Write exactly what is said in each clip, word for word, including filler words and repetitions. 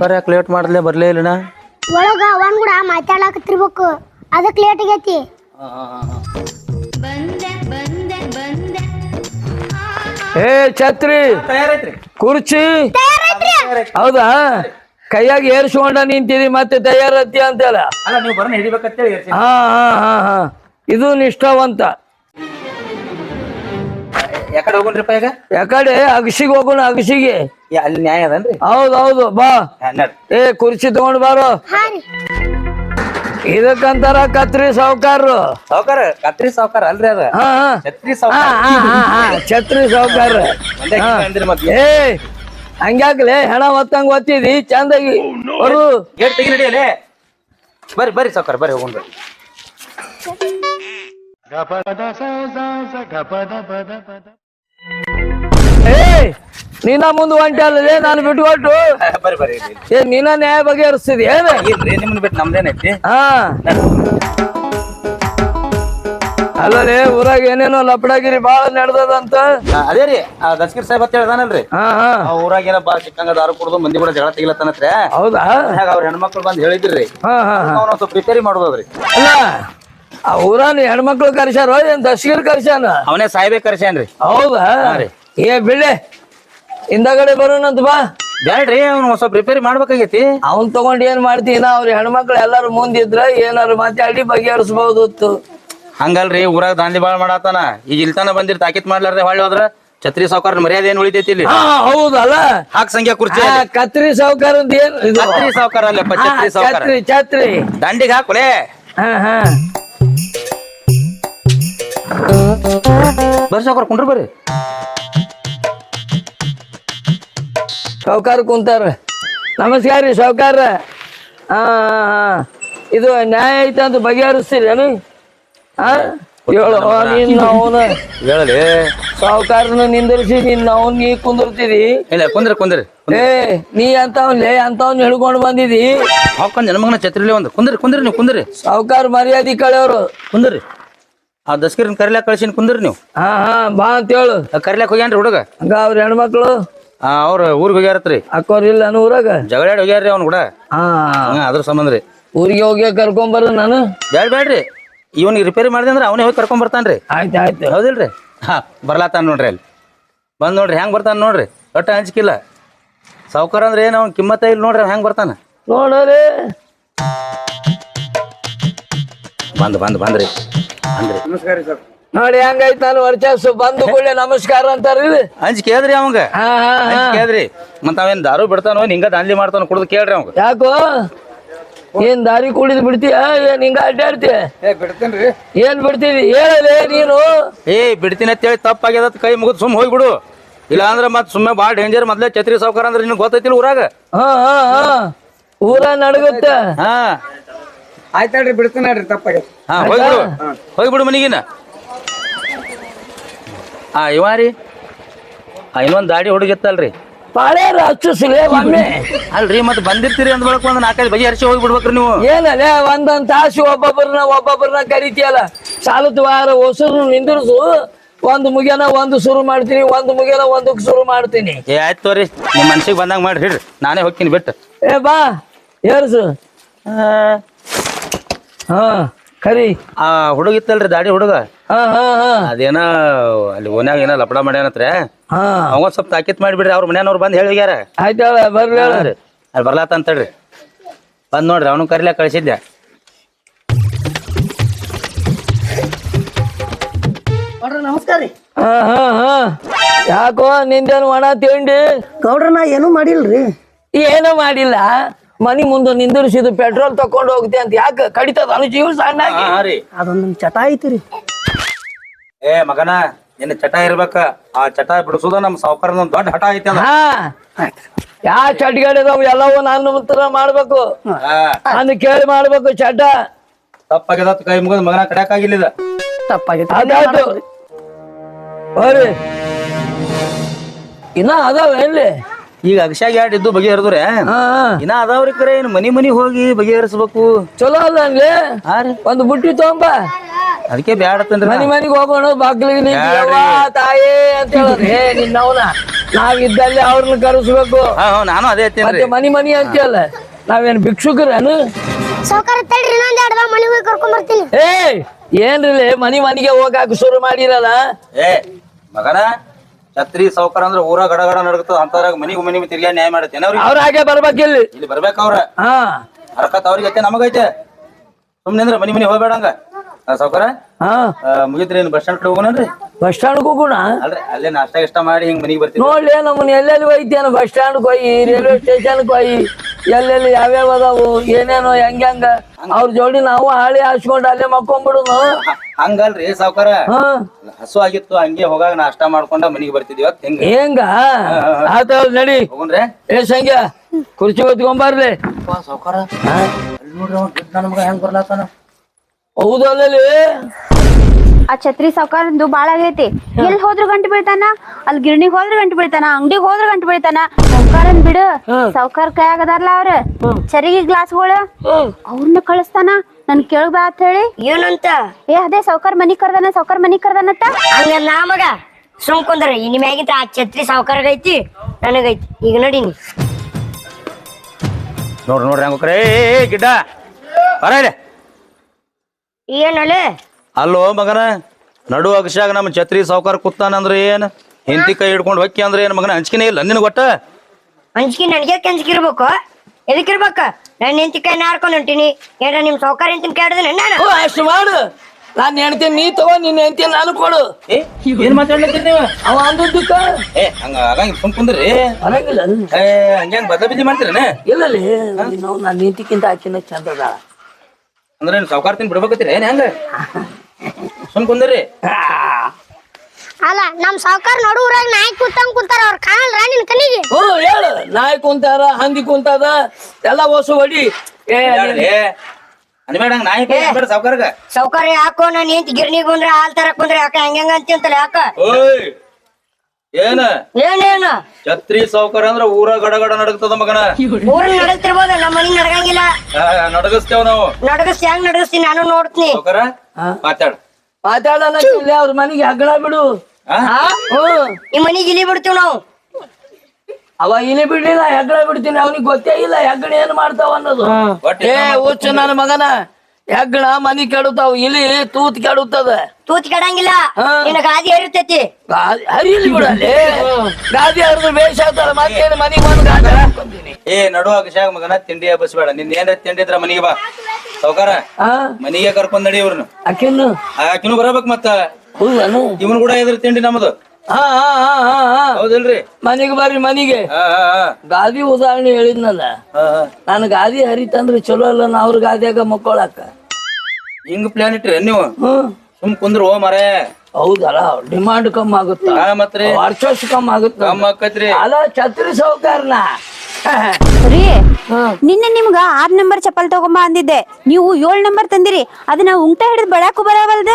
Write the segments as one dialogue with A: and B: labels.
A: ಸಾವುಕಾರ ಯಾಕೆ ಲೇಟ್ ಮಾಡ್ದಲೇ ಬರ್ಲೇ ಇಲ್ಲನ
B: ಒಳಗ ಅವನ್ ಕೂಡ ಮಾತಾಡಕತ್ತಿರ್ಬೇಕು ಅದಕ್ಕೆ ಲೇಟ್ ಆಗೈತಿ.
C: ಏ ಛತ್ರಿ ಕುರ್ಚಿ ಹೌದಾ ಕೈಯಾಗ ಏರ್ಸ್ಕೊಂಡ ನಿಂತಿದಿ ಮತ್ತೆ ತಯಾರತಿ ಅಂತಲ್ಲ. ಹಾ ಹಾ ಹಾ ಹಾ ಇದು ನಿಷ್ಠಾವಂತ.
A: ಯಾಕಡೆ ಹೋಗೋಣ್ರಿಪ್ಪ ಈಗ?
C: ಯಾಕಡೆ ಅಗಸಿಗೆ ಹೋಗೋಣ ಅಗಸಿಗೆ.
A: ಅಲ್ಲಿ ನ್ಯಾಯ ಅದನ್ರಿ?
C: ಹೌದೌದು ಬಾ. ಏ ಕುರ್ಚಿ ತಗೊಂಡ್ ಬಾರೋ. ಇದಕ್ಕಂತಾರ ಕತ್ರಿ ಸಾವುಕಾರರು.
A: ಸಾವುಕಾರ ಕತ್ರಿ ಸಾವುಕಾರ ಅಲ್ರಿ ಅದ
C: ಹಾ
A: ಛತ್ರಿ
C: ಛತ್ರಿ ಸಾವುಕಾರ. ಏ ಹಂಗ್ಯಾಕ್ಲೆ ಹೆಣ ಹೊತ್ತಂಗ ಒತ್ತಿದಿ ಚಂದಾಗಿ ಬರು.
A: ಗೇಟ್ ತೆಗಿ ನಡಿಯಲೇ. ಬರ್ರಿ ಬರ್ರಿ ಸಾವುಕಾರ ಬರ್ರಿ ಹೋಗೋಣ ಬರ್ರಿ.
C: ಏ ನೀನ ಮುಂದ್ ಒಂಟಿ ಅಲ್ಲದೆ ನಾನು ಬಿಟ್ಕೊಟ್ಟು
A: ಬರ್ರಿ ಬರ್ರಿ.
C: ಏ ನೀನ ನ್ಯಾಯ ಬಗೆಹರಿಸ್ತಿದಿ ಏನ?
A: ಇಲ್ರಿ ನಿಮ್ಮನ್ನ ಬಿಟ್ಟು ನಮ್ದೇನೈತಿ.
C: ಹಾ ಅಲ್ಲೇ ಊರಾಗ ಏನೇನೋ ಲಪಡಾಗಿರಿ ಬಾಳ ನಡೆದದಂತ.
A: ಅದೇ ರೀ ದಸ್ಕಿರ್ ಸಾಹೇಬ್ ಅಂತ ಹೇಳ್ದಾನಲ್ರಿ.
C: ಹಾ ಹಾ
A: ಊರಾಗ ಏನೋ ಬಾ ಸಿಕ್ಕಂಗ ದಾರು ಕುಡ್ದು ಮಂದಿ ಕೂಡ ಜಗಳ ತೆಗಿಲತ್ತನತ್ರೆ.
C: ಹೌದಾ?
A: ಅವ್ರ ಹೆಣ್ಮಕ್ಳು ಬಂದ್ ಹೇಳಿದ್ರಿ.
C: ಹಾ ಹಾ
A: ಅವ್ನ ಸ್ವಲ್ಪ ರಿಪೇರಿ ಮಾಡೋದ್ರಿ.
C: ಅಲ್ಲ ಆ ಊರಾನ ಹೆಣ್ಮಕ್ಳು ಕರ್ಸ್ಯಾರ ಏನ್ ದಸ್ಕಿರ್ ಕರ್ಸ್ಯಾನ?
A: ಅವನೇ ಸಾಹೇಬೇ ಕರ್ಸ್ಯಾನ್ರಿ.
C: ಹೌದಾ? ಏ ಬಿಳೆ ಹಿಂದಗಡೆ ಬರೋಣಂತ ಬಾ.
A: ಬ್ಯಾಡ್ರಿ ಅವ್ನು ಸ್ವಲ್ಪ ರಿಪೇರಿ ಮಾಡ್ಬೇಕಾಗೈತಿ.
C: ಅವ್ನ್ ತಗೊಂಡ್ ಏನ್ ಮಾಡ್ತೀನ? ಅವ್ರ ಹೆಣ್ಮಕ್ಳು ಎಲ್ಲಾರು ಮುಂದಿದ್ರ ಏನಾರು ಮಾತಾಡಿ ಬಗೆಹರಿಸಬಹುದಿತ್ತು.
A: ಹಂಗಲ್ರಿ ಊರಾಗ ದಾಂಧಿ ಬಾಳ್ ಮಾಡಾತಾನ. ಈಗ ಇಲ್ತಾನ ಬಂದಿರ್ ತಾಕೀತ್ ಮಾಡ್ಲಾರ್ದೆ ಹೊಳ್ಳಿ ಹೋದ್ರ ಛತ್ರಿ ಸಾವುಕಾರ ಮರ್ಯಾದೆ ಏನ್ ಉಳಿತೈತಿ ಇಲ್ಲಿ?
C: ಹಾ ಹೌದಲ್ಲ
A: ಹಾಕ್ ಸಂಖ್ಯಾ ಕುರ್ಚಿ
C: ಕತ್ರಿ ಸಾವುಕಾರ ಏನ್
A: ಛತ್ರಿ ಸಾವುಕಾರ ಅಲ್ಲಪ್ಪ ಛತ್ರಿ ಸಾವುಕಾರ.
C: ಛತ್ರಿ ಛತ್ರಿ
A: ದಂಡಿಗೆ ಹಾಕೊಳೆ.
C: ಹಾ ಹಾ
A: ಬರ್ರಿ ಸಾವುಕಾರ ಕುಂಡ್ರಿ ಬರ್ರಿ.
C: ಸಾವುಕಾರ ಕುಂತಾರ. ನಮಸ್ಕಾರ ರೀ ಸಾವುಕಾರ. ಹಾ ಹಾ ಇದು ನ್ಯಾಯ ಐತೆ ಅಂತ ಬಗೆಹರಿಸ್ತೀರೇನು? ಹಾ ಹೇಳು ನೀನ್ ಅವನ
A: ಹೇಳಲಿ
C: ಸಾವುಕಾರನ ನಿಂದಿರಿಸಿ ನಿನ್ನ ಅವ್ನ್ ನೀ ಕುಂದಿರ್ತಿದಿ.
A: ಇಲ್ಲ ಕುಂದ್ರಿ ಕುಂದ್ರಿ.
C: ಏ ನೀ ಅಂತವನ್ಲೇ ಅಂತವ್ನ ಹಿಡ್ಕೊಂಡ್ ಬಂದಿದಿ.
A: ಹಾಕೊಂಡ್ ಜನಮಗನ ಛತ್ರಿಲಿ ಒಂದು ಕುಂದ್ರಿ ಕುಂದ್ರಿ ನೀವು ಕುಂದ್ರಿ.
C: ಸಾವುಕಾರ ಮರ್ಯಾದಿ ಕಳೆಯವ್ರು
A: ಕುಂದ್ರಿ. ಆ ದಸ್ಕಿರನ್ ಕರಿಲಾಕ್ ಕಳ್ಸಿನ್ ಕುಂದ್ರಿ ನೀವು.
C: ಹಾ ಹಾ ಬಾ ಅಂತ ಹೇಳು.
A: ಕರಿಲಾಕ್ ಹೋಗ್ಯಾನ್ರಿ ಹುಡುಗ.
C: ಹಂಗ ಅವ್ರ ಹೆಣ್ಮಕ್ಳು
A: ಆ ಅವ್ರ ಊರಿಗೆ ಹೋಗ್ಯಾರತ್ರಿ.
C: ಅಕ್ಕೋರ್ ಇಲ್ಲ ಊರಾಗ
A: ಜಗಳಾಡಿ ಹೋಗ್ಯಾರ್ರಿ ಅವ್ನು ಕೂಡ.
C: ಹಾ
A: ಅದ್ರ ಸಂಬಂಧ ರೀ
C: ಊರಿಗೆ ಹೋಗಿ ಕರ್ಕೊಂಬರ ನಾನು.
A: ಬ್ಯಾಡ್ ಬ್ಯಾಡ್ರಿ ಇವನಿಗೆ ರಿಪೇರಿ ಮಾಡಿದೆ ಅಂದ್ರೆ ಅವನೇ ಹೋಗಿ ಕರ್ಕೊಂಡ್ ಬರ್ತಾನ್ರಿ.
C: ಆಯ್ತು ಆಯ್ತು.
A: ಹೌದಿಲ್ರಿ? ಹಾ ಬರ್ಲಾತಾನ ನೋಡ್ರಿ ಅಲ್ಲಿ ಬಂದ್ ನೋಡ್ರಿ ಹೆಂಗ್ ಬರ್ತಾನ ನೋಡ್ರಿ. ಒಟ್ಟ ಹಂಚಿಕಿಲ್ಲ ಸಾವುಕಾರ ಅಂದ್ರೆ ಏನ್ ಅವ್ನ ಕಿಮ್ಮತ್ತ ಇಲ್ಲ ನೋಡ್ರಿ ಹೆಂಗ್ ಬರ್ತಾನ
C: ನೋಡ್ರಿ.
A: ಬಂದ್ ಬಂದ್ ಬಂದ್ರಿ ಅಂದ್ರಿ.
D: ನಮಸ್ಕಾರ ಸರ್.
C: ನೋಡಿ ಹೆಂಗೈತ್ ನಾನು ವರ್ಚಸ್ಸು ಬಂದು ಕೂಡಲೇ ನಮಸ್ಕಾರ ಅಂತಾರ.
A: ಹಂಚ್ ಕೇಳ್ರಿ ಅವಂಗ.
C: ಹಾ ಹಾ
A: ಹಂಚ್ ಕೇಳ್ರಿ. ಮತ್ತ ಅವೇನ್ ದಾರು ಬಿಡ್ತಾನೋ ಹಿಂಗ ದಾಂಧಲಿ ಮಾಡ್ತಾನ ಕುಡ್ದು ಕೇಳ್ರಿ ಅವಂಗ.
C: ಯಾಕೋ ಏನ್ ದಾರಿ ಕುಡಿದ್ ಬಿಡ್ತೀಯ? ಏನ್ ಹಿಂಗ ಅಡ್ಡಾಡ್ತೀಯ?
D: ಏ ಬಿಡ್ತೇನ್ರಿ.
C: ಏನ್ ಬಿಡ್ತೀವಿ ಹೇಳಲೇ ನೀನು?
A: ಏ ಬಿಡ್ತೀನಿ ಅಂತೇಳಿ ತಪ್ಪಾಗ್ಯದ ಕೈ ಮುಗಿದ್ ಸುಮ್ ಹೋಗ್ಬಿಡು. ಇಲ್ಲ ಅಂದ್ರ ಮತ್ ಸುಮ್ಮನೆ ಬಾಳ ಡೇಂಜರ್. ಮೊದ್ಲೇ ಛತ್ರಿ ಸಾವುಕಾರ ಅಂದ್ರೆ ನಿನ್ಗೆ ಗೊತ್ತೈತಿಲ್ಲ ಊರಾಗ.
C: ಹಾ ಹಾ ಹಾ ಊರ ನಡಗುತ್ತ.
A: ಹಾ
D: ಆಯ್ತಾಳ್ರಿ ಬಿಡ್ತೇನ್ರಿ ತಪ್ಪಾಗ.
A: ಹಾ ಹೋಗ್ಬಿಡು ಹೋಗ್ಬಿಡು ಮನಿಗಿನ. ಹಾ ಇವ ರೀ ಆ ಇನ್ನೊಂದ್ ದಾಡಿ ಹುಡುಗಿತ್ತಲ್ರಿ
C: ಪಾಳ್ಯಾರ ಹಚ್ಚಿಸ್ಲೇ ಒಮ್ಮೆ.
A: ಅಲ್ರಿ ಮತ್ ಬಂದಿರ್ತೀರಿ ಅಂದ್ ಬಳಕ ಒಂದ್ ನಾಲ್ಕೈದು ಬಗೆ ಹರಿಸಿ ಹೋಗ್ಬಿಡ್ಬೇಕ್ರಿ ನೀವು.
C: ಏನಲ್ಲೇ ಒಂದೊಂದ್ ತಾಸು ಒಬ್ಬೊಬ್ಬರನ್ನ ಒಬ್ಬೊಬ್ಬರನ್ನ ಕರಿತೀಯಲ್ಲ. ಸಾಲದ ವಾರ ಹೊಸರು ನಿಂದಿರ್ಸು. ಒಂದ್ ಮುಗಿಯನ ಒಂದು ಶುರು ಮಾಡ್ತೀನಿ, ಒಂದ್ ಮುಗಿಯನ ಒಂದಕ್ಕೆ ಶುರು ಮಾಡ್ತೀನಿ.
A: ಏ ಆಯ್ತು ತೋರಿ ನಿಮ್ ಮನ್ಸಿಗೆ ಬಂದಂಗ ಮಾಡಿ ಹಿಡ್ರಿ ನಾನೇ ಹೋಗ್ತೀನಿ ಬಿಟ್ಟು.
C: ಏ ಬಾ ಏರ್ಸು. ಹಾ ಕರಿ.
A: ಆ ಹುಡುಗ ಇತ್ತಲ್ರಿ ದಾಡಿ ಹುಡುಗ.
C: ಹಾ ಹಾ ಹಾ
A: ಅದೇನ ಅಲ್ಲಿ ಓನ್ಯಾಗ ಏನ ಲಪಡ ಮಾಡ್ಯಾನತ್ರೆ.
C: ಹಾ
A: ಅವ ಸ್ವಲ್ಪ ತಾಕೀತ್ ಮಾಡಿಬಿಡ್ರಿ. ಅವ್ರ ಮನ್ಯಾನವ್ರು ಬಂದ್ ಹೇಳಿ ಹೋಗ್ಯಾರ.
C: ಆಯ್ತ ಬರ್ಲಿ
A: ಅಲ್ಲಿ ಬರ್ಲಾತ ಅಂತೇಳ್ರಿ. ಬಂದ್ ನೋಡ್ರಿ ಅವನು ಕರಿಲಾಕ ಕಳಿಸಿದ್ದೆ.
E: ನಮಸ್ಕಾರ ರೀ.
C: ಹಾ ಹಾ ಹಾ ಯಾಕೋ ನಿಂದೇನು ಒಣ ತಿಂಡಿ?
E: ಗೌಡ್ರ ನಾ ಏನೂ ಮಾಡಿಲ್ರಿ.
C: ಏನೂ ಮಾಡಿಲ್ಲ. ಮನಿ ಮುಂದೆ ನಿಂದಿರಿಸಿದು ಪೆಟ್ರೋಲ್ ತಕೊಂಡ್ ಹೋಗ್ತಿ ಅಂತ ಯಾಕೆ ಕಡಿತದ ಅನು ಜೀವ ಸಣ್ಣ?
E: ಅದೊಂದ್ ಚಟ ಐತಿ ರೀ.
A: ಏ ಮಗನ ನಿನ್ನ ಚಟ ಇರ್ಬೇಕ. ಆ ಚಟ ಬಿಡಿಸೋದ ನಮ್ ಸಾವುಕಾರದ ಒಂದ್ ದೊಡ್ಡ ಹಠ ಐತಿ.
C: ಹಾ ಯಾ ಚಟ್ಗಾಡಿದವ್ ಎಲ್ಲವೂ ನಾನು ಹತ್ರ ಮಾಡ್ಬೇಕು. ಅಂದ್ ಕೇಳಿ ಮಾಡ್ಬೇಕು ಚಟ.
A: ತಪ್ಪಾಗ್ಯದ ಕೈ ಮುಗಿದ ಮಗನ ಕಡ್ಯಾಕ್ ಆಗಿಲ್ಲ.
E: ತಪ್ಪಾಗೈತಿ.
C: ಅದಾಯ್ತು ಬರ್ರಿ. ಇನ್ನ ಅದಾವ ಎಲ್ಲಿ?
A: ಈಗ ಅಗಶ್ಯಾಗ ಎರಡು ಇದ್ದು ಬಗೆಹರಿದ್ರೆ
C: ಹಾ
A: ಇನ್ನ ಅದಾವ್ರಿ. ಕರೆ ಏನ್ ಮನಿ ಮನಿ ಹೋಗಿ ಬಗೆಹರಿಸ್ಬೇಕು.
C: ಚಲೋ ಅಲ್ಲ ಅನ್ಲಿ. ಒಂದು ಬುಟ್ಟಿ ತಗೊಂಬ.
A: ಅದಕ್ಕೆ ಬ್ಯಾಡತ್ತಂದ್ರಿ
C: ಮನಿ ಮನಿಗೆ ಹೋಗೋಣ ಬಾಗ್ಲಿಗೆ ತಾಯಿ ಅಂತ ಹೇಳೋದು. ಏ ನಿನ್ನವನ ನಾವಿದ್ದಲ್ಲಿ ಅವ್ರನ್ನ ಕರೆಸ್ಬೇಕು.
A: ಹಾ ಹಾ ನಾನು ಅದೇ ಹೇಳ್ತೀನಿ
C: ಮತ್ತೆ ಮನಿ ಮನಿ ಅಂತೀಯಲ್ಲ, ನಾವೇನ್ ಭಿಕ್ಷುಕರೇನು?
B: ಸಾವ್ಕಾರ ತಡ್ರಿ ಇನ್ನೊಂದ್ ಎರಡು ದಿನ ಮನೆಗೆ ಹೋಗಿ ಕರ್ಕೊಂಡ್ ಬರ್ತೀನಿ.
C: ಏ ಏನ್ರಿ ಮನಿ ಮನಿಗೆ ಹೋಗಾಕ ಶುರು ಮಾಡಿರಲ್ಲ.
A: ಏ ಮಗನ ಛತ್ರಿ ಸಾವ್ಕಾರ ಅಂದ್ರೆ ಊರ ಗಡ ಗಡ ನಡಗತ್ತದ ಅಂತದ್ರಾಗ ಮನಿಗ್ ಮನಿ ತಿರ್ಗಾ ನ್ಯಾಯ ಮಾಡತ್ತೇನ ಅವ್ರಿಗೆ?
C: ಅವ್ರ ಹಾಗೆ ಬರ್ಬೇಕಿಲ್ಲಿ.
A: ಇಲ್ಲಿ ಬರ್ಬೇಕ ಅವ್ರ
C: ಹಾ
A: ಹರಕತ್ ಅವ್ರಿಗೆ ಐತೆ ನಮಗೈತೆ. ಸುಮ್ನೆ ಅಂದ್ರೆ ಮನಿ ಮನಿ ಹೋಗ್ಬೇಡಂಗ ಸಾವ್ಕಾರ.
C: ಹಾ
A: ಮುಗಿತ್ರಿ ಬಸ್ ಸ್ಟ್ಯಾಂಡ್ ಕಡೆ ಹೋಗೋಣನ್ರಿ.
C: ಬಸ್ ಸ್ಟ್ಯಾಂಡ್ ಹೋಗೋಣ.
A: ಅಲ್ರಿ ಅಲ್ಲೇ ನಾಷ್ಟ ಗಿಷ್ಟ ಮಾಡಿ ಹಿಂಗ್ ಮನಿಗೆ ಬರ್ತೀವಿ.
C: ನೋಡ್ಲಿ ನಮ್ಮನ್ನ ಎಲ್ಲೆಲ್ಲಿ ಒಯ್ತೇನ, ಬಸ್ ಸ್ಟ್ಯಾಂಡ್ ಹೋಗಿ ರೈಲ್ವೆ ಸ್ಟೇಷನ್ ಹೋಗಿ ಎಲ್ಲೆಲ್ಲಿ ಯಾವ್ಯಾವ ಅದಾವು ಏನೇನೋ ಹೆಂಗ ಹೆಂಗ ಅವ್ರ ಜೋಡಿ ನಾವು ಹಾಳಿ ಹಾಸ್ಕೊಂಡ್ ಅಲ್ಲೇ ಮಕ್ಕೊಂಡ್ಬಿಡುನು.
A: ಹಂಗಲ್ರಿ ಸಾವ್ಕಾರ,
C: ಹಾ
A: ಹಸು ಆಗಿತ್ತು ಹಂಗೆ ಹೋಗಾಗ ನಾಷ್ಟ ಮಾಡ್ಕೊಂಡ ಮನಿಗೆ ಬರ್ತಿದ್ವಿ ಅವತ್ ಹೆಂಗ
C: ಹೆಂಗ ಆತ ನಡಿ
A: ಹೋಗುಣ್ರಿ.
C: ಏ ಸಂಖ್ಯಾ ಕುರ್ಚಿ ಹೊತ್ಕೊಂಬರ್ಲಿ.
A: ಸಾವ್ಕಾರ ನೋಡ್ರಿ ಅವ ಗಿಡ್ ನನ್ ಮಗ ಹೆಂಗ್ ಬರ್ಲಾತಾನ.
C: ಹೌದಲ್ಲಿ
F: ಆ ಛತ್ರಿ ಸಾವ್ಕಾರಂದು ಬಾಳ ಆಗೈತಿ. ಎಲ್ಲಿ ಹೋದ್ರು ಗಂಟು ಬೀಳ್ತಾನ, ಅಲ್ಲಿ ಗಿರಣಿಗ್ ಹೋದ್ರ ಗಂಟು ಬೀಳ್ತಾನ, ಅಂಗಡಿಗೆ ಹೋದ್ರ ಗಂಟು ಬೀಳ್ತಾನ. ಸಾವ್ಕಾರನ್ ಬಿಡು, ಸಾವ್ಕಾರ ಕೈಯಾಗದಾರ್ಲ ಅವ್ರ ಚರಿಗೆ ಗ್ಲಾಸ್ಗಳು ಅವ್ರನ್ನ ಕಳಿಸ್ತಾನ. ನನ್ ಕೇಳ್ ಬಾ ಅಂತ ಹೇಳಿ.
G: ಏನಂತ?
F: ಏ ಅದೇ ಸಾವ್ಕಾರ್ ಮನಿ ಕರ್ದಾನ, ಸಾವ್ಕಾರ್ ಮನಿ ಕರ್ದಾನತ್ತ.
G: ಹಂಗಲ್ಲ ಮಗ, ಸುಮ್ ಕುಂದ್ರ. ಇನ್ ಮ್ಯಾಗಿಂತ ಆ ಛತ್ರಿ ಸಾವ್ಕಾರ್ಗೈತಿ, ನನಗೈತಿ. ಈಗ ನಡೀನಿ.
A: ನೋಡ್ರಿ ನೋಡ್ರಿ ಹೆಂಗ್ ಹೋಗ್ರಿ. ಏ ಗಿಡ್ಡ ಬರ
G: ಏನಲೆ
A: ಅಲ್ಲೋ ಮಗನ, ನಡು ಅಗಸ್ಯಾಗ ನಮ್ಮ ಛತ್ರಿ ಸಾವ್ಕಾರ ಕೂತಾನಂದ್ರೆ ಏನ್ ಹಿಂತಿ ಕೈ ಹಿಡ್ಕೊಂಡು ಹೊಕ್ಕಿ ಅಂದ್ರೆ ಏನ್ ಮಗನ ಹಂಚಿಕೆನೇ ಇಲ್ಲ ನಿನಗೆ ಒಟ್ಟ?
G: ಅಂಜಿಕೆ ನನಗೆ ಅಂಜಿಕಿರ್ಬೇಕು. ಎದಕ್ಕಿರ್ಬೇಕ? ನಾನು ಹೆಂಡತಿ ಕೈ ನಾರ್ಕೊಂಡು ಹೊಂಟೀನಿ. ಏನ ನಿಮ್ ಸಾವ್ಕಾರ ಹೆಂಡತಿನ ಕೇಳಿದ್ರೆ ನಾನು
C: ಅಷ್ಟು ಮಾಡು. ನಾನ್ ಹೆಣ್ತೀನಿ ನೀ ತಗೋ, ನಿನ್ ಹೆಣ್ತೀನಿ ನಾನು ಕೊಡು.
A: ಏ ಏನ್ ಮಾತಾಡ್ಲತ್ತೀರಿ ನೀವು?
C: ಅವ ಅಂದದ್ದಕ್ಕ
A: ಏ ಹಂಗ ಆಗಂಗ ಸುಮ್ ಕುಂದ್ರಿ.
C: ಬರಂಗಿಲ್ಲ.
A: ಏ ಹಂಗ್ಯಾಂಗ ಬದ್ಲ ಬಿದ್ದಿ ಮಾಡ್ತೀರನ?
C: ಇಲ್ಲಲ್ಲಿ ನಾವು ನನ್ನ ಹೆಂಡತಿಕ್ಕಿಂತ ಆಕಿನ ಚಂದ ಅದಾಳ.
A: ಅಂದ್ರೆ ನೀವು ಸಾವ್ಕಾರ ತಿನ್ ಬಿಡ್ಬೇಕತ್ತೀರಿ ಏನ್ ಹೆಂಗ? ಸುಮ್ ಕುಂದ್ರಿ.
B: ಅಲ್ಲ ನಮ್ ಸಾವ್ಕಾರ ನೋಡು ಊರಾಗ ನಾಯಿ ಕೂತಂಗ್ ಕೂತಾರ, ಅವ್ರ ಕಾಣಲ್ರ ನಿನ್ ಕಣ್ಣಿಗೆ?
C: ಹ್ಮ್ ಹೇಳು. ನಾಯಿ ಕುಂತಾರ, ಹಂದಿ ಕುಂತಾದ, ಎಲ್ಲ ಹೊಸ ಹೊಡಿ. ಏ
A: ಅನ್ಬೇಡಂಗ ನಾಯಿ ಕೈ ಅನ್ಬೇಡ ಸಾವ್ಕಾರ್ಗ.
G: ಸಾವ್ಕಾರ ಯಾಕೋ ನಾನು ಹೆಂಡತಿ ಗಿರ್ನಿಗ್ ಬಂದ್ರೆ ಹಾಲ್ ತರಕ್ ಬಂದ್ರೆ ಯಾಕ ಹಂಗ ಅಂತಿಂತಲ್ಲ ಯಾಕ?
A: ಓಯ್ ಏನ
G: ಏನೇನು
A: ಛತ್ರಿ ಸಾವ್ಕಾರ ಅಂದ್ರ ಊರ ಗಡ ಗಡ ನಡಗ್ತದ ಮಗನ.
G: ಊರನ್ನ ನಡಗ್ತಿರ್ಬೋದು, ನಮ್ಮ ಮನಿ ನಡಗಂಗಿಲ್ಲ.
A: ನಡಗಸ್ತೇವ ನಾವು.
G: ನಡಗಸ್ತಿ ಹೆಂಗ್ ನಡಗಸ್ತಿ ನಾನು ನೋಡ್ತೀನಿ.
A: ಸಾವ್ಕಾರ ಮಾತಾಡ
C: ಮಾತಾಡೋಣ ಅವ್ರ ಮನೆಗೆ ಹಗ್ಗಳ ಬಿಡು. ಹ್ಮ್
G: ಈ ಮನಿಗೆ ಇಲಿ ಬಿಡ್ತೀವಿ ನಾವು.
C: ಅವ ಇಲಿ ಬಿಡ್ಲಿಲ್ಲ, ಹೆಗ್ಗಳ ಬಿಡ್ತೀನಿ. ಅವನಿಗೆ ಗೊತ್ತೇ ಇಲ್ಲ ಹೆಗ್ಗಣ ಏನ್ ಮಾಡ್ತಾವ ಅನ್ನೋದು. ಏ ಹುಚ್ಚು ನನ್ನ ಮಗನ, ಹೆಗ್ಗಣ ಮನಿ ಕೆಡುತ್ತಾವ, ಇಲಿ ತೂತ್ ಕೆಡುತ್ತದ.
G: ತೂತ್ ಕೆಡಂಗಿಲ್ಲ, ನಿನ್ನ ಗಾದಿ ಹರಿತೈತಿ.
C: ಗಾದಿ ಹರಿಲಿ ಬಿಡಲ್ಲಿ. ಗಾದಿ ಹರಿದ್ರೆ ಬೇಷ ಆಗ್ತಾರ. ಮತ್ತೇನು ಮನಿಗೆ ಬಂದು ಗಾದಿ ಹಾಕೊಂತೀನಿ.
A: ಏ ನಡು ಅಗಸ್ಯಾಗ ಮಗನ ತಿಂಡಿ ಹಬ್ಬಸ್ಬೇಡ. ನಿನ್ ಏನ್ರ ತಿಂಡಿ ಇದ್ರ ಮನಿಗೆ ಬಾ ಸಾವ್ಕಾರ.
C: ಹಾ
A: ಮನಿಗೆ ಕರ್ಕೊಂಡ್ ನಡಿ ಇವ್ರನ್ನ.
C: ಅಕ್ಕಿನ್ನು
A: ಆಕಿನೂ ಬರಬೇಕ್ ಮತ್ತ.
C: ಹೌದನು?
A: ಇವನ್ ಕೂಡ ಇದ್ರ ತಿಂಡಿ ನಮ್ದು.
C: ಹಾ ಹಾ ಹಾ ಹಾ ಹಾ
A: ಹೌದಿಲ್ರಿ?
C: ಮನಿಗೆ ಬರ್ರಿ ಮನಿಗೆ.
A: ಹಾ ಹಾ ಹಾ
C: ಗಾದಿ ಉದಾಹರಣೆ ಹೇಳಿದ್ನಲ್ಲ.
A: ಹಾ ಹಾ
C: ನಾನು ಗಾದಿ ಹರಿತಂದ್ರೆ ಚಲೋ ಅಲ್ಲ, ನಾ ಅವ್ರ ಗಾದಿಯಾಗ ಮಕ್ಕೊಳಕ.
A: ಹಿಂಗ್ ಪ್ಲಾನ್ ಇಟ್ರಿ ನೀವು?
C: ಹ್ಮ್
A: ಸುಮ್ ಕುಂದ್ರು ಓ ಮರ.
C: ಹೌದಲ್ಲ, ಡಿಮಾಂಡ್ ಕಮ್ಮಿ ಆಗುತ್ತ,
A: ಹಾ ಮತ್ರಿ
C: ವರ್ಷ ಕಮ್ಮಿ ಆಗುತ್ತ.
A: ಕಮ್ಮ ಆಕತ್ರಿ.
C: ಅಲ್ಲ ಛತ್ರಿ ಸಾವ್ಕಾರನ
F: ರೀ ನಿನ್ನೆ ನಿಮ್ಗ ಆರ್ ನಂಬರ್ ಚಪ್ಪಲ್ ತಗೊಂಬ ಅಂದಿದ್ದೆ, ನೀವು ಏಳ್ ನಂಬರ್ ತಂದಿರಿ. ಅದನ್ನ ಉಂಟ ಹಿಡಿದು ಬಡಾಕು ಬರವಲ್ದ.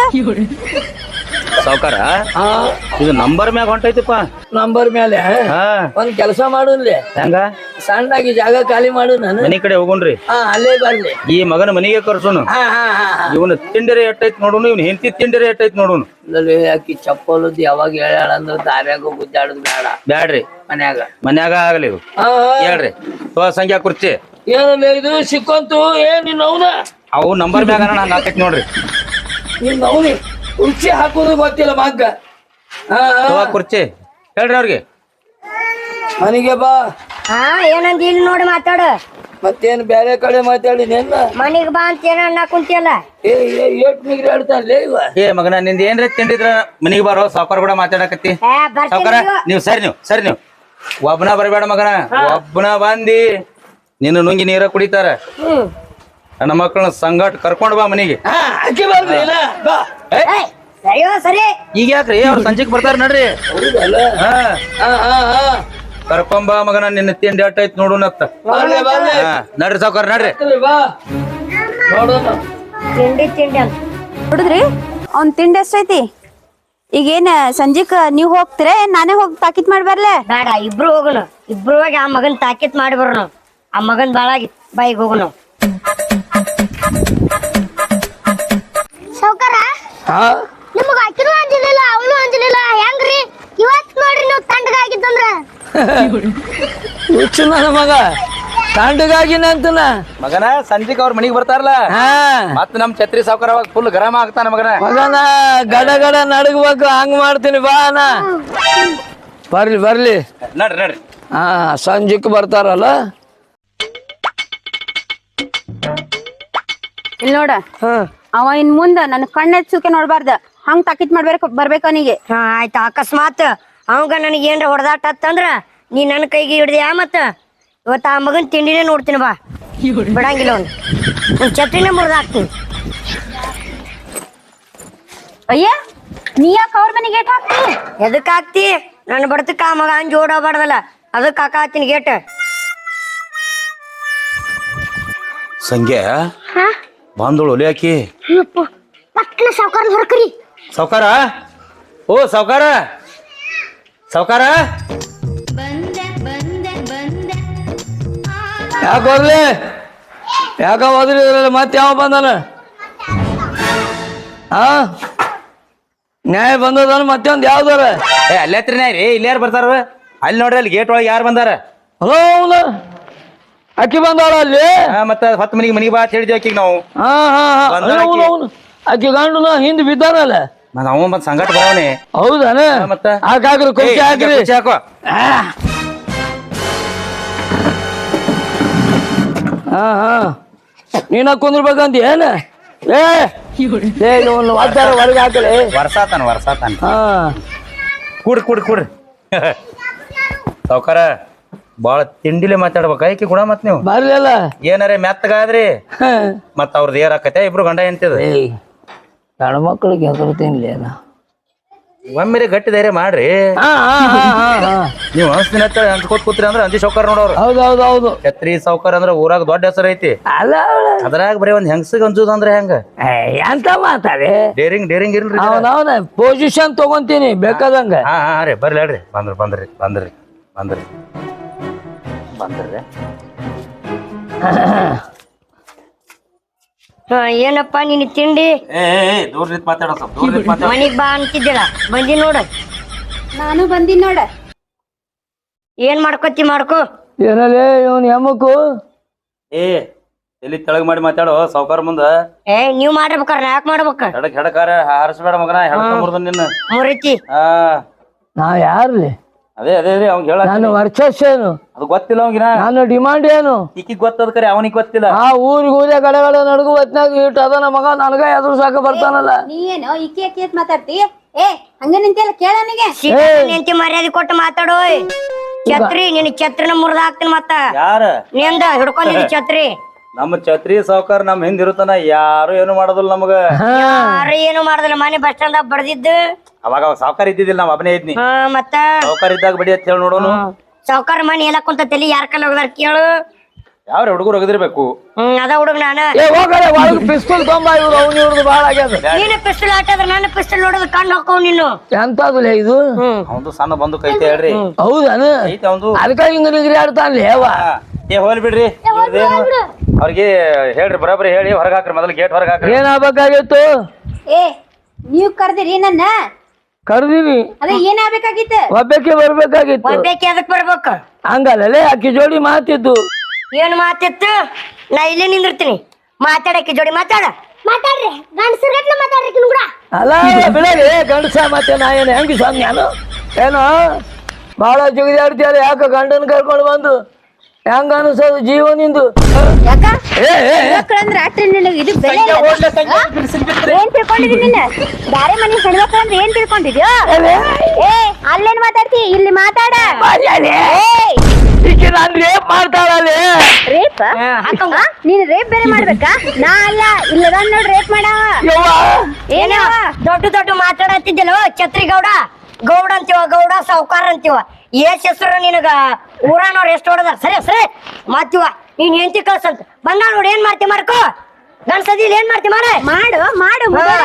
A: ಸಾವ್ಕಾರ ಇದು ನಂಬರ್ ಮ್ಯಾಗ ಹೊಂಟೈತಿಪ್ಪ.
C: ನಂಬರ್ ಮೇಲೆ
A: ಹಾ
C: ಒಂದ್ ಕೆಲಸ ಮಾಡುನ್ಲಿ,
A: ಹೆಂಗ
C: ಸಣ್ಣಾಗಿ ಜಾಗ ಖಾಲಿ ಮಾಡು. ನಾನು
A: ಮನಿ ಕಡೆ ಹೋಗುಣ್ರಿ.
C: ಹಾ ಅಲ್ಲೇ ಬರ್ಲಿ.
A: ಈ ಮಗನ ಮನಿಗೆ ಕರ್ಸೋನು.
C: ಹಾ ಹಾ ಹಾ
A: ಇವನು ತಿಂಡಿರೆ ಎಟ್ಟೈತ್ ನೋಡುನು, ಇವ್ನ ಹೆಂಡತಿ ತಿಂಡಿರೆ ಎಟ್ಟೈತ್ ನೋಡುನು.
C: ಇಲ್ಲಲ್ಲಿ ಆಕಿ ಚಪ್ಪಲದ್ ಯಾವಾಗ ಹೇಳ್ಯಾಳ ಅಂದ್ರ ದಾರ್ಯಾಗ ಗುದ್ದಾಡದ್ ಬೇಡ.
A: ಬ್ಯಾಡ್ರಿ,
C: ಮನ್ಯಾಗ
A: ಮನ್ಯಾಗ ಆಗಲಿ ಇವು.
C: ಹಾ
A: ಹೇಳ್ರಿ ತೋ ಸಂಖ್ಯಾ ಕುರ್ಚಿ.
C: ಏನಲ್ಲ ಇದು ಸಿಕ್ಕಂತು. ಏನ್ ನಿನ್ ಅವನ
A: ಅವು ನಂಬರ್ ಮ್ಯಾಗ ಹಂಗ ಆಕೈತಿ ನೋಡ್ರಿ.
C: ನಿನ್ ಅವನಿ ಕುರ್ಚಿ ಹಾಕೋದು ಗೊತ್ತಿಲ್ಲ ಮಗ್ಗ. ಹಾ
A: ತೋ ಕುರ್ಚಿ ಹೇಳ್ರಿ ಅವ್ರಿಗೆ.
C: ಮನಿಗೆ ಬಾ.
G: ಹಾ ಏನಂತ ಇಲ್ಲಿ ನೋಡಿ ಮಾತಾಡ.
C: ಮತ್ತೇನ್ ಬೇರೆ ಕಡೆ ಮಾತಾಡಿ ನೆನ್ನ
G: ಮನಿಗ್ ಬಾ ಅಂತ ಏನ ಅನ್ನ ಕುಂತಿಯಲ್ಲ.
C: ಏ ಏಟ್ ನಿಗ್ರಿ ಹೇಳ್ತಾರಲೇ ಇವ.
A: ಏ ಮಗನ ನಿಂದ ಏನ್ರ ತಿಂಡಿದ್ರ ಮನಿಗೆ ಬಾರೋ, ಸಾವ್ಕಾರ ಕೂಡ ಮಾತಾಡಕತ್ತಿ.
G: ಏ
A: ಸಾವ್ಕಾರ
G: ಬರ್ತೀನಿ.
A: ನೀವು ಸರಿ ನೀವು ಸರಿ ನೀವು ಒಬ್ಬನ ಬರಬೇಡ ಮಗನ. ಒಬ್ಬನ ಬಂದಿ ನಿನ್ನ ನುಂಗಿ ನೀರ ಕುಡಿತಾರ. ನನ್ನ ಮಕ್ಕಳನ್ನ ಸಂಗಟ್ ಕರ್ಕೊಂಡ್ ಬಾ ಮನಿಗೆ.
C: ಹಾ ಅಕ್ಕಿ ಬರ್ಲಿ ಇಲ್ಲ ಬಾ.
A: ಏ,
G: ಏ, ಸರಿಯೋ ಸರಿ.
A: ಈಗ ಯಾಕ್ರಿ ಅವ್ರು ಸಂಜೆಗ್ ಬರ್ತಾರ ನಡ್ರಿ.
C: ಹೌದಲ್ಲ?
A: ಹಾ
C: ಹಾ ಹಾ ಹಾ
A: ಕರ್ಕೊಂಬಾ ಮಗನ, ನಿನ್ನ ತಿಂಡಿ ಅಟ್ಟೈತ್ ನೋಡುನತ್ತ.
C: ಬರ್ಲಿ ಬರ್ಲಿ.
A: ಹಾ ನಡ್ರಿ ಸಾವ್ಕಾರ ನಡ್ರಿ.
C: ಬಾ ನೋಡೋಣ.
G: ತಿಂಡಿ ತಿಂಡಿ ಅಂತ
F: ನೋಡಿದ್ರಿ ಅವ್ನ್ ತಿಂಡಿ ಎಷ್ಟೈತಿ? ಈಗೇನ್ ಸಂಜಿಕ್ ನೀವ್ ಹೋಗ್ತೀರ, ನಾನೇ ಹೋಗಿ ತಾಕೀತ್ ಮಾಡಿ ಬರ್ಲೆ?
G: ಬೇಡ, ಇಬ್ರು ಹೋಗೋಣ. ಇಬ್ರು ಹೋಗಿ ಆ ಮಗನ್ ತಾಕೀತ್ ಮಾಡಿ ಬರೋಣ. ಆ ಮಗನ್ ಬಾಳಾಗಿ ಬಾಯಿಗೆ ಹೋಗೋಣ.
B: ಸಾವ್ಕಾರ
C: ಹಾ
B: ನಿಮಗ ಆಕಿನೂ ಅಂಜಲಿಲ್ಲ ಅವನು ಅಂಜಲಿಲ್ಲ, ಹೆಂಗ್ರಿ ಇವತ್ ನೋಡ್ರಿ ನೀವು ತಂಡಗಾಗಿತ್ತಂದ್ರ?
C: ಹುಚ್ಚು ನನ್ನ ಮಗ ಕಂಡಗಾಗಿನ ಅಂತನ
A: ಮಗನ ಸಂಜಿಕ್ ಅವ್ರ ಮನಿಗ್ ಬರ್ತಾರಲ್ಲ
C: ಹಾ
A: ಮತ್ ನಮ್ ಛತ್ರಿ ಸಾವ್ಕಾರ ಅವಾಗ ಫುಲ್ ಗರಮ ಆಗ್ತಾನ ಮಗನ.
C: ಮಗನ ಗಡ ಗಡ ನಡಗಬೇಕು ಹಂಗ ಮಾಡ್ತೀನಿ ಬಾ ಅಣ್ಣ ಬರ್ಲಿ ಬರ್ಲಿ
A: ನಡ್ರಿ ನಡ್ರಿ.
C: ಹಾ ಸಂಜೆಕ್ ಬರ್ತಾರಲ್ಲ.
F: ಇಲ್ಲಿ ನೋಡ
C: ಹಾ
F: ಅವ ಇನ್ ಮುಂದ ನನ್ ಕಣ್ಣೆಚ್ಚುಕೆ ನೋಡ್ಬಾರ್ದ ಹಂಗ್ ತಾಕಿತ್ ಮಾಡ್ಬೇಕು ಬರ್ಬೇಕು ಅವನಿಗೆ.
G: ಹಾ ಆಯ್ತು ಅಕಸ್ಮಾತ್ ಅವಂಗ ನನಗೆ ಏನ್ರ ಹೊಡೆದಾಟ ಅಂತಂದ್ರ ನೀ ನನ್ನ ಕೈಗೆ ಹಿಡ್ದ್ಯಾ ಮತ್ತ ಇವತ್ತ ಆ ಮಗನ್ ತಿಂಡಿನೇ ನೋಡ್ತೀನಿ ಬಾ ಬಿಡಂಗಿಲ್ಲ ಅವ್ನು ಒಂದ್ ಛತ್ರಿನೇ ಮುರಿದಾಕ್ತೀನಿ.
F: ಅಯ್ಯ ನೀ ಯಾಕೆ ಅವ್ರ ಮನೆಗೆ ಗೇಟ್ ಹಾಕ್ತಿ?
G: ಎದಕ್ ಹಾಕ್ತಿ ನನ್ನ ಬಡತಕ್ಕ ಆ ಮಗ ಅಂಜ್ ಓಡೋಬಾರ್ದಲ್ಲ ಅದಕ್ಕೆ ಹಾಕಾತೀನಿ ಗೇಟ್.
A: ಸಂಖ್ಯೆ ಬಂದಳು ಒಲಿ ಹಾಕಿ
B: ಪಟ್ನ ಸಾವುಕಾರ ಹೊರಕ್ರಿ.
A: ಸಾವ್ಕಾರ ಓ ಸಾವ್ಕಾರ ಸಾವ್ಕಾರ
C: ಯಾಕೆ ಹೋಗ್ಲಿ ಯಾಕ ಹೋದ್ರಿ ಮತ್ತೆ ಯಾವ ಬಂದಾನ ಹಾ ನ್ಯಾಯ ಬಂದದಾನ ಮತ್ತೆ ಒಂದ್ ಯಾವ್ದಾರ
A: ಏ ಅಲ್ಲೇ ಹತ್ರಿ ರೀ ಇಲ್ಲಿ ಯಾರು ಬರ್ತಾರ ಅಲ್ಲಿ ನೋಡ್ರಿ ಅಲ್ಲಿ ಗೇಟ್ ಒಳಗೆ ಯಾರು ಬಂದಾರ?
C: ಹಲೋ ಅವನ ಅಕ್ಕಿ ಬಂದಾಳ ಅಲ್ಲಿ
A: ಹಾ, ಮತ್ತ ಹತ್ತು ಮನಿಗೆ ಮನಿಗೆ ಬಾ ಅಂತ ಹೇಳಿದ್ವಿ ಆಕಿಗೆ ನಾವು.
C: ಹಾ ಹಾ ಹಾ
A: ಬಂದಾಳ ಆಕಿ.
C: ಅವನು ಅವನು ಅಕ್ಕಿ ಗಂಡು ಹಿಂದ್ ಬಿದ್ದಾನಲ್ಲ.
A: ಮತ್ತ ಅವ ಬಂದ್ ಸಂಗಟ ಬರವನೆ.
C: ಹೌದಾನ
A: ಮತ್ತ
C: ಹಾಕಾಕ್ರಿ ಕುರ್ಚಿ ಹಾಕ್ರಿ
A: ಕುರ್ಚಿ ಹಾಕೋ.
C: ಹಾ ಹಾ ನೀನ ಕುಂದ್ರಬೇಕಂತ ಏನ ಏ ಏ ಇವನು ಒದ್ದಾರ ಹೊರಗೆ ಹಾಕಲಿ
A: ವರ್ಸಾತಾನ ವರ್ಸಾತಾನ.
C: ಹಾ
A: ಕೂಡ್ರಿ ಕೂಡ್ರಿ ಕೂಡ್ರಿ ಸಾವ್ಕಾರ ಬಾಳ ತಿಂಡಿಲೆ ಮಾತಾಡ್ಬೇಕ ಆಯ್ಕೆ ಕೂಡ ಮತ್ ನೀವು
C: ಬರ್ಲಿಲ್ಲ
A: ಏನಾರೇ ಮೆತ್ತಗಾದ್ರಿ
C: ಹಾ.
A: ಮತ್ತ ಅವ್ರದ್ದು ಏರಾಕತ್ತೆ ಇಬ್ರು ಗಂಡ ಎಂತಿದ
C: ಏಯ್ ಗಂಡು ಮಕ್ಕಳಿಗೆ ಹೆಸರು ತಿನ್ಲಿ ನಾ
A: ಒಮ್ಮೆರೆ ಗಟ್ಟಿ ಧೈರ್ಯ ಮಾಡ್ರಿ.
C: ಹಾ ಹಾ ಹಾ ಹಾ ಹಾ
A: ನೀವು ಅನ್ಸ್ತಿನ ಅಂಚ್ಕೋತ್ ಕೂತ್ರಿ ಅಂದ್ರ ಅಂಜಿ ಸಾವ್ಕಾರ ನೋಡೋರು.
C: ಹೌದು ಹೌದು ಹೌದು
A: ಛತ್ರಿ ಸಾವ್ಕಾರ ಅಂದ್ರ ಊರಾಗ ದೊಡ್ಡ ಹೆಸರು ಐತಿ.
C: ಅಲ್ಲ
A: ಅದ್ರಾಗ ಬರೀ ಒಂದ್ ಹೆಂಗಸಿಗೆ ಅಂಜುದ ಅಂದ್ರ ಹೆಂಗ?
C: ಏ, ಎಂತ ಮಾತಾಡಿ
A: ಡೇರಿಂಗ್ ಡೇರಿಂಗ್ ಇಲ್ರಿ.
C: ಅವನವನ ಪೊಸಿಷನ್ ತಗೊಂತೀನಿ ಬೇಕಾದಂಗ
A: ಹಾ ಹಾ ರೀ ಬರ್ಲಿ ಹೇಳ್ರಿ ಬಂದ್ರಿ ಬಂದ್ರಿ ಬಂದ್ರಿ ಬಂದ್ರಿ ಬಂದ್ರಿ
G: ಹಾ ಏನಪ್ಪ ನಿನ್ ತಿಂಡಿ
A: ಏ ದೂರ ನಿಂತ್ ಮಾತಾಡೋ ಸ್ವಲ್ಪ ದೂರ ನಿಂತ್ ಮಾತಾಡ.
G: ಮನಿಗ್ ಬಾ ಅಂತಿದ್ದಿಲ್ಲ ಬಂದಿ ನೋಡ
F: ನಾನು ಬಂದಿನ್ ನೋಡ.
G: ಏನ್ ಮಾಡ್ಕೊತಿ ಮಾಡ್ಕೋ.
C: ಏನಲ್ಲೇ ಇವನ್ ಹೆಮ್ಮಕ್ಕು
A: ಏ ಎಲ್ಲಿ ತೆಳಗ್ ಮಾಡಿ ಮಾತಾಡೋ ಸಾವ್ಕಾರ ಮುಂದ.
G: ಏ ನೀವ್ ಮಾಡ್ಬೇಕಾರ ಯಾಕೆ ಮಾಡ್ಬೇಕ
A: ಹೆಡಕ್ ಹೆಡಕಾರ ಹಾರಿಸ್ಬೇಡ ಮಗನ ಹೆಡಕ ಮುರ್ದ ನಿನ್ನ.
G: ಮುರಿತಿ
A: ಹಾ
C: ನಾವ್ ಯಾರ್ಲಿ
A: ಅದೇ ಅದೇ ರೀ ಅವ್ನ್ ಹೇಳ
C: ನಾನು ವರ್ಚಸ್ ಏನು
A: ಅದು ಗೊತ್ತಿಲ್ಲ ಅವಂಗಿನ.
C: ನಾನು ಡಿಮಾಂಡ್ ಏನು
A: ಈಕಿಗ್ ಗೊತ್ತದ ಕರೆ ಅವನಿಗೆ ಗೊತ್ತಿಲ್ಲ.
C: ಆ ಊರಿಗೆ ಊರೇ ಗಡೆ ಗಡೆ ನಡುಗು ಹೊತ್ನಾಗ ಇಟ್ಟು ಅದ ನಮ್ಮ ಮಗ ನನಗ ಎದುರು ಸಾಕ ಬರ್ತಾನಲ್ಲ.
F: ನೀ ಏನು ಇಕ್ಕಿ ಅಕ್ಕಿ ಅಂತ ಮಾತಾಡ್ತಿ? ಏ ಹಂಗ ನಿಂತಿಲ್ಲ ಕೇಳ ನನಗೆ.
G: ನಿಂತಿ ಮರ್ಯಾದೆ ಕೊಟ್ಟು ಮಾತಾಡೋ. ಛತ್ರಿ ನಿನ್ ಛತ್ರಿನ ಮುರಿದ ಹಾಕ್ತೀನಿ ಮತ್ತ
A: ಯಾರ
G: ನಿಂದ ಹಿಡ್ಕೊಂಡಿದ್ದಿ ಛತ್ರಿ.
A: ನಮ್ಮ ಛತ್ರಿ ಸಾವ್ಕಾರ ನಮ್ ಹಿಂದ್ ಇರುತ್ತಾನ ಯಾರು ಏನು ಮಾಡೋದಿಲ್ಲ ನಮಗ.
G: ಯಾರು ಏನು ಮಾಡುದಿಲ್ಲ ಮನೆ ಬಸ್ ಸ್ಟ್ಯಾಂಡ್ ಬಡ್ದಿದ್ದು.
A: ಅವಾಗ ಅವಾಗ ಸಾವ್ಕಾರ ಇದ್ದಿದ್ದಿಲ್ಲ ನಾವ್ ಅಬ್ಬನೇ ಇದ್ನಿ.
G: ಹಾ ಮತ್ತ
A: ಸಾವ್ಕಾರ ಇದ್ದಾಗ ಬಡಿ ಅಂತ ಹೇಳಿ ನೋಡೋನು.
G: ಸಾವ್ಕಾರ ಮನಿ ಎಲ್ಲ ಕುಂತ ತಲಿ ಯಾರ ಕಲ್ಲ ಹೋಗದಾರ ಕೇಳು.
A: ಯಾವ್ರ ಹುಡುಗರು ಒಗದಿರ್ಬೇಕು.
G: ಹ್ಮ್ ಅದ ಹುಡುಗ ನಾನ.
C: ಏ ಹೋಗಡೆ ಒಳಗ್ ಪಿಸ್ತೂಲ್ ತೊಂಬ ಇವ್ರು ಅವ್ನು ಇವ್ರದ್ದು ಬಾಳ ಆಗ್ಯದ.
G: ನೀನು ಪಿಸ್ತೂಲ್ ಆಟದ್ರ ನನ್ನ ಪಿಸ್ತೂಲ್ ನೋಡೋದು ಕಣ್ಣು ಹಾಕವ್ ನೀನು.
C: ಎಂತದುಲೇ ಇದು
A: ಅವಂದು ಸಣ್ಣ ಬಂದು ಕೈತೆ ಹೇಳ್ರಿ.
C: ಹೌದಾನ
A: ಐತೆ ಅವಂದು.
C: ಅದಕ್ಕ ಹಿಂಗ ನಿಗ್ರಿ ಆಡ್ತಾನ್ಲಿ ಹೇವ.
A: ಏ ಹೋಲ್ ಬಿಡ್ರಿ ಇವ್ರ್ದೇನು ಅವ್ರಿಗೆ ಹೇಳ್ರಿ ಬರಾಬರಿ ಹೇಳಿ ಹೊರಗ್ ಹಾಕ್ರಿ ಮೊದಲು ಗೇಟ್ ಹೊರಗ್ ಹಾಕ್ರಿ.
C: ಏನ್ ಆಗ್ಬೇಕಾಗಿತ್ತು?
F: ಏ ನೀವ್ ಕರ್ದಿರಿ ನನ್ನ
C: ಕರ್ದೀವಿ
F: ಅದೇ ಏನ್ ಆಗ್ಬೇಕಾಗಿತ್ತು?
C: ಒಬ್ಬಕ್ಕೆ ಬರ್ಬೇಕಾಗಿತ್ತು.
G: ಒಬ್ಬೇಕಿ ಅದಕ್ ಬರ್ಬೇಕ
C: ಹಂಗಲ್ಲೇ ಅಕ್ಕಿ ಜೋಡಿ ಮಾತಿದ್ದು.
G: ಏನ್ ಮಾತಿತ್ತು? ನಾ ಇಲ್ಲೇ ನಿಂದಿರ್ತೀನಿ ಮಾತಾಡಕ್ಕೆ ಜೋಡಿ ಮಾತಾಡ
B: ಮಾತಾಡ್ರಿ ಗಂಡಸರ್ ಗಟ್ಲೆ ಮಾತಾಡ್ರಿ ಕಿನ್ ಕೂಡ.
C: ಅಲ್ಲ ಬಿಡಲಿ ಗಂಡಸ ಮತ್ತೆ ನಾ ಏನು ಹೆಂಗಿ ಸ್ವಾಮಿ ನಾನು ಏನೋ ಬಾಳ ಜಿಗಿದಾಡ್ತೀಯಲ್ಲ ಯಾಕ ಗಂಡನ್ ಕರ್ಕೊಂಡು ಬಂದು ಹೆಂಗ ಅನಿಸೋದು ಜೀವನಿಂದು.
F: ಯಾಕ
C: ಏ ಏ, ಏ.
F: ಮಕ್ಕಳಂದ್ರ ಅಟ್ರಿ ನಿನಗೆ ಇದು ಬೆಲೆ ಇಲ್ಲ. ಆ? ಏನ್ ತಿಳ್ಕೊಂಡಿದಿ ನಿನ್ನ? ಬ್ಯಾರೆ ಮನೆ ಹೆಣ್ಮಕ್ಳು ಅಂದ್ರೆ ಏನ್ ತಿಳ್ಕೊಂಡಿದ್ಯೋ? ಏ ಅಲ್ಲೇನ್ ಮಾತಾಡ್ತಿ ಇಲ್ಲಿ ಮಾತಾಡ.
C: ಮರ್ಯಾದೆ.
F: ಏಯ್
C: ಈಕೆ ನಾನ್ ರೇಪ್ ಮಾಡ್ತಾಳಲ್ಲಿ.
F: ರೇಪ್ ನೀನ್ ರೇಪ್ ಬೇರೆ ಮಾಡ್ಬೇಕಾ? ನಾ ಅಲ್ಲ ಇಲ್ಲದ ನೋಡ್ ರೇಪ್ ಮಾಡವ.
C: ಯವ್ವ
G: ಏನ ದೊಡ್ಡ ದೊಡ್ಡ ಮಾತಾಡತ್ತಿದ್ದಲ್ಲ ಛತ್ರಿ ಗೌಡ ಗೌಡ ಅಂತೀವ ಗೌಡ ಸಾವ್ಕಾರ ಅಂತೀವ ಎಷ್ಟ್ ಹೆಸರು ನಿನಗ ಊರಾನವ್ರ ಎಷ್ಟು ಹೊಡದಾರ ಸರಿ ಸರಿ ಮಾತಿವ ನೀನ್ ಹೆಂಡತಿ ಕಳ್ಸಂತ ಬಂದ ನೋಡಿ ಏನ್ ಮಾಡ್ತಿ ಮಾಡ್ಕೋ ಗಂಡ್ಸದಿಲ್ ಏನ್ ಮಾಡ್ತಿ ಮಾಡ
F: ಮಾಡು ಮಾಡು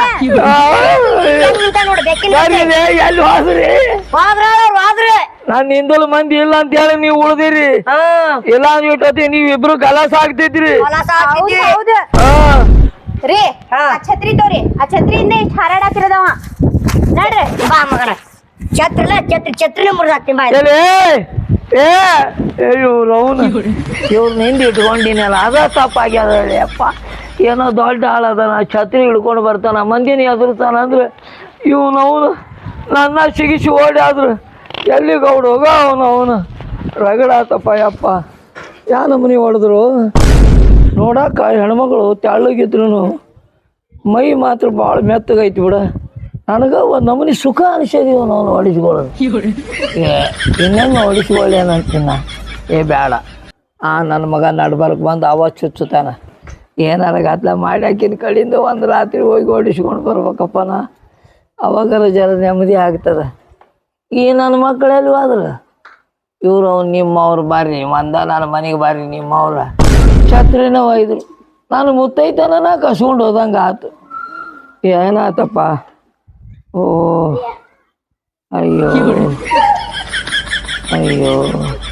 G: ನೋಡು ಬೆಕ್ಕಿನ
C: ಯಾರಿದೆ? ಎಲ್ಲಿ ಹೋದ್ರಿ?
G: ಹೋದ್ರ ಅವ್ರು ಹೋದ್ರೆ
C: ನಾನ್ ನಿಂದಲು ಮಂದಿ ಇಲ್ಲ ಅಂತ ಹೇಳಿ ನೀವ್ ಉಳ್ದಿರಿ.
G: ಹಾ
C: ಇಲ್ಲ ಅಂದ್ಬಿಟ್ಟತಿ ನೀವ್ ಇಬ್ರು ಕಲಾಸ ಆಗ್ತಿದ್ರಿ.
G: ಹೊಲಸ
F: ಹೌದು
G: ಹಾಕಿದ್ವಿ.
F: ಹೌದು
C: ಹಾ
F: ರೀ ಆ ಛತ್ರಿ ತೋರಿ ಆ ಛತ್ರಿಯಿಂದ ಇಷ್ಟ ಹಾರಾಡತ್ತಿರದವ ನೋಡ್ರಿ.
G: ಬಾ ಮಗನ ಛತ್ರಿಲ್ಲ ಛತ್ರಿ ಛತ್ರಿನ ಮುರಿದಾಕ್ತೀನಿ ಬಾ
C: ಎಲ್ಲಿ ಏ ಇವ್ರು ಅವನು ಇವ್ರನ್ನ ಹಿಂದೆ ಇಟ್ಕೊಂಡಿನಲ್ಲ ಅದ ತಪ್ಪಾಗ್ಯದ ಹೇಳಿ ಅಪ್ಪ. ಏನೋ ದೊಡ್ಡ ಆಳದನ ಛತ್ರಿ ಹಿಡ್ಕೊಂಡು ಬರ್ತಾನ ಮಂದಿನ ಎದುರ್ತಾನ ಅಂದ್ರೆ ಇವನು ಅವನು ನನ್ನ ಸಿಗಿಸಿ ಓಡಿ ಆದ್ರು ಎಲ್ಲಿ ಗೌಡ ಹೋಗ ಅವನು ಅವನು ರಗಡಾತಪ್ಪ ಯಪ್ಪ. ಯಾ ನಮ್ಮನೆ ಹೊಡೆದ್ರು ನೋಡಕ್ಕ ಹೆಣ್ಮಗಳು ತೆಳ್ಳಗಿದ್ರು ಮೈ ಮಾತ್ರ ಭಾಳ ಮೆತ್ತಗೈತಿ ಬಿಡ. ನನಗೆ ಒಂದು ನಮೂನಿ ಸುಖ ಅನಿಸೋದಿವ ನಾವು ಹೊಡಿಸ್ಕೊಳ್ಳೋದು. ಇನ್ನೊಮ್ಮೆ ಹೊಡಿಸ್ಕೊಳ್ಳಿ ಅಂತೀನ ಏ ಬೇಡ. ಆ ನನ್ನ ಮಗ ನಡ್ಬರ್ಕ್ ಬಂದು ಅವ ಚುಚ್ಚುತ್ತಾನ ಏನಾರ ಗದ್ಲ ಮಾಡಿ ಹಾಕಿನ ಕಡೆಯಿಂದ ಒಂದು ರಾತ್ರಿ ಹೋಗಿ ಹೊಡಿಸ್ಕೊಂಡು ಬರ್ಬೇಕಪ್ಪ ನಾ. ಅವಾಗಾರ ಜರ ನೆಮ್ಮದಿ ಆಗ್ತದೆ. ಈ ನನ್ನ ಮಕ್ಕಳೆಲ್ಲಿ ಹೋದ್ರು ಇವರು ಅವ್ನು ನಿಮ್ಮವ್ರು ಬರ್ರಿ ಮಂದ ನನ್ನ ಮನೆಗೆ ಬರ್ರಿ ನಿಮ್ಮವ್ರ ಛತ್ರಿನ ಒಯ್ದ್ರು. ನಾನು ಮುತ್ತೈತನ ಕಸ್ಕೊಂಡು ಹೋದಂಗೆ ಆತು. ಏನಾತಪ್ಪ? ಓ ಅಯ್ಯೋ ಅಯ್ಯೋ